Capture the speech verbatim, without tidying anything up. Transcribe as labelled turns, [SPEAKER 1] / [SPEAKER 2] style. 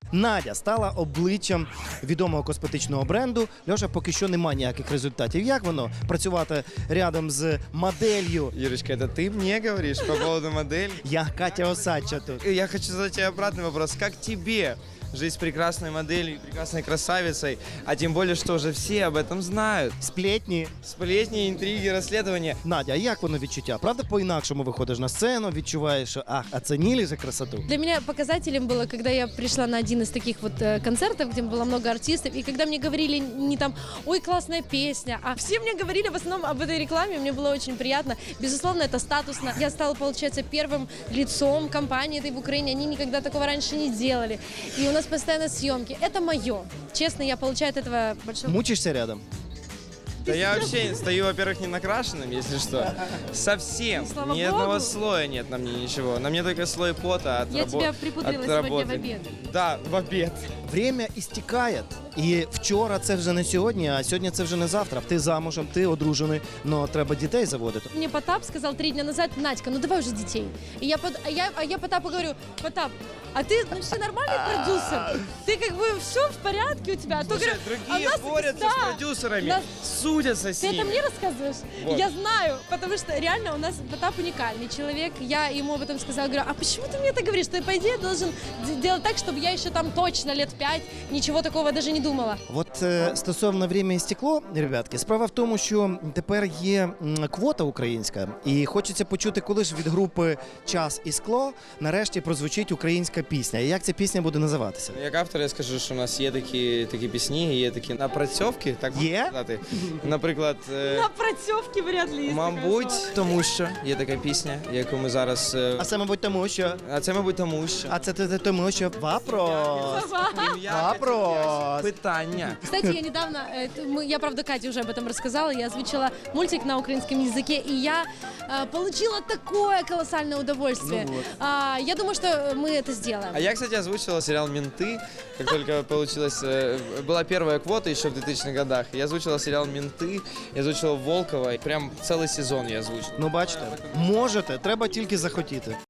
[SPEAKER 1] Надя стала обличчям відомого косметичного бренду. Льоша, поки що немає ніяких результатів. Як воно працювати рядом з моделлю?
[SPEAKER 2] Юрочка, это ты мне говоришь по поводу модели?
[SPEAKER 1] Я Катя Осадча тут.
[SPEAKER 2] Я хочу задать тебе обратный вопрос. Как тебе жить с прекрасной моделью, прекрасной красавицей, а тем более, что уже все об этом знают?
[SPEAKER 1] Сплетні.
[SPEAKER 2] Сплетни, интриги, расследования.
[SPEAKER 1] Надя, а як воно відчуття? Правда, по-інакшому виходиш на сцену, відчуваєш, що ах, оцінили за красоту?
[SPEAKER 3] Для меня показателем было, когда я пришла на один из таких вот э, концертов, где было много артистов, и когда мне говорили не там, ой, классная песня, а все мне говорили в основном об этой рекламе, мне было очень приятно. Безусловно, это статусно. Я стала, получается, первым лицом компании этой в Украине, они никогда такого раньше не делали. И у нас постоянно съемки. Это мое. Честно, я получаю от этого большое...
[SPEAKER 1] Мучишся рядом?
[SPEAKER 2] Да я вообще стою, во-первых, не накрашенным, если что. Совсем.
[SPEAKER 3] Слава
[SPEAKER 2] Ни
[SPEAKER 3] Богу.
[SPEAKER 2] одного слоя нет на мне ничего. На мне только слой пота от
[SPEAKER 3] Я
[SPEAKER 2] рабо-
[SPEAKER 3] тебя припудрила
[SPEAKER 2] от
[SPEAKER 3] сегодня
[SPEAKER 2] работы.
[SPEAKER 3] в обед.
[SPEAKER 2] Да, в обед.
[SPEAKER 1] Время істікає. І вчора це вже не сьогодні, а сьогодні це вже не завтра. Ти замужем, ти одружений, але треба дітей заводити.
[SPEAKER 3] Мне Потап сказал три дня назад: Надька, ну давай уже детей. И я, под- а я, а я Потапу говорю: Потап, а ты ну, все нормальный продюсер? Ты как бы все в порядке у тебя? А то,
[SPEAKER 2] Слушай,
[SPEAKER 3] говорю, а
[SPEAKER 2] другие
[SPEAKER 3] нас-
[SPEAKER 2] борются
[SPEAKER 3] да,
[SPEAKER 2] с продюсерами,
[SPEAKER 3] нас-
[SPEAKER 2] судятся с
[SPEAKER 3] Ты это
[SPEAKER 2] ними.
[SPEAKER 3] мне рассказываешь?
[SPEAKER 2] Вот.
[SPEAKER 3] Я знаю, потому что реально у нас Потап уникальный человек. Я ему об этом сказала, говорю, а почему ты мне это говоришь? Ты, по идее, должен д- делать так, чтобы я еще там точно лет пять ничего такого даже не думала.
[SPEAKER 1] От е, стосовно «Время і стекло», ребятки, справа в тому, що тепер є м, квота українська, і хочеться почути, коли ж від групи «Час і скло» нарешті прозвучить українська пісня. І як ця пісня буде називатися?
[SPEAKER 2] Як автор я скажу, що у нас є такі, такі пісні, є такі напрацьовки, так можна
[SPEAKER 1] Є?
[SPEAKER 2] сказати. Наприклад, е,
[SPEAKER 3] На протевке вряд ли есть
[SPEAKER 2] мабуть, тому що є така пісня, яку ми зараз... е,
[SPEAKER 1] А це, мабуть, тому що...
[SPEAKER 2] А це, мабуть, тому що...
[SPEAKER 1] А це, це тому що... Вопрос!
[SPEAKER 2] Ім'я,
[SPEAKER 1] Вопрос!
[SPEAKER 2] питання.
[SPEAKER 3] Кстати, я недавно, э, т- мы- я правда Кате уже об этом рассказала, я озвучила мультик на украинском языке, и я э, получила такое колоссальное удовольствие.
[SPEAKER 1] Ну вот.
[SPEAKER 3] А, я думаю, что мы это сделаем.
[SPEAKER 2] А я, кстати, озвучила сериал «Менты», как только получилось... э, Была первая квота еще в двухтысячных годах. Я озвучила сериал «Менты», я озвучила Волкова, и прям целый сезон я озвучил.
[SPEAKER 1] Ну, бачите, можете, треба тільки захотіти.